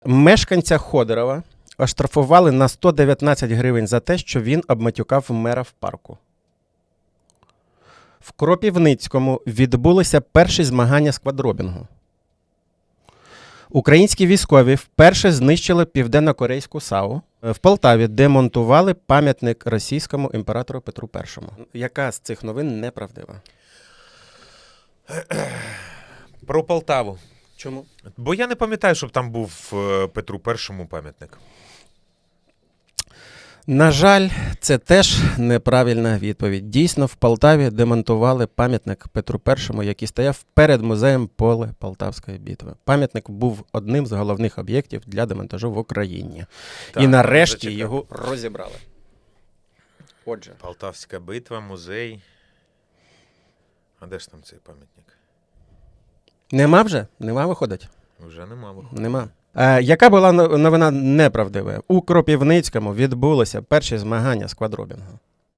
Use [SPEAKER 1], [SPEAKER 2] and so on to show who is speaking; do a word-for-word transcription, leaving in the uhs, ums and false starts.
[SPEAKER 1] Мешканця Ходорова оштрафували на сто дев'ятнадцять гривень за те, що він обматюкав мера в парку. В Кропивницькому відбулися перші змагання з квадробінгу. Українські військові вперше знищили південно-корейську САУ. В Полтаві демонтували пам'ятник російському імператору Петру Першому. Яка з цих новин неправдива?
[SPEAKER 2] Про Полтаву.
[SPEAKER 1] Чому?
[SPEAKER 2] Бо я не пам'ятаю, щоб там був е, Петру Першому пам'ятник.
[SPEAKER 1] На жаль, це теж неправильна відповідь. Дійсно, в Полтаві демонтували пам'ятник Петру Першому, який стояв перед музеєм Поле Полтавської битви. Пам'ятник був одним з головних об'єктів для демонтажу в Україні.
[SPEAKER 2] Так,
[SPEAKER 1] І нарешті
[SPEAKER 2] зачекай.
[SPEAKER 1] його розібрали. Отже.
[SPEAKER 2] Полтавська битва, музей. А де ж там цей пам'ятник?
[SPEAKER 1] Нема вже? Нема, виходить?
[SPEAKER 2] Вже нема. виходить.
[SPEAKER 1] Нема. Е, яка була новина неправдива? У Кропивницькому відбулися перші змагання з квадробінгу.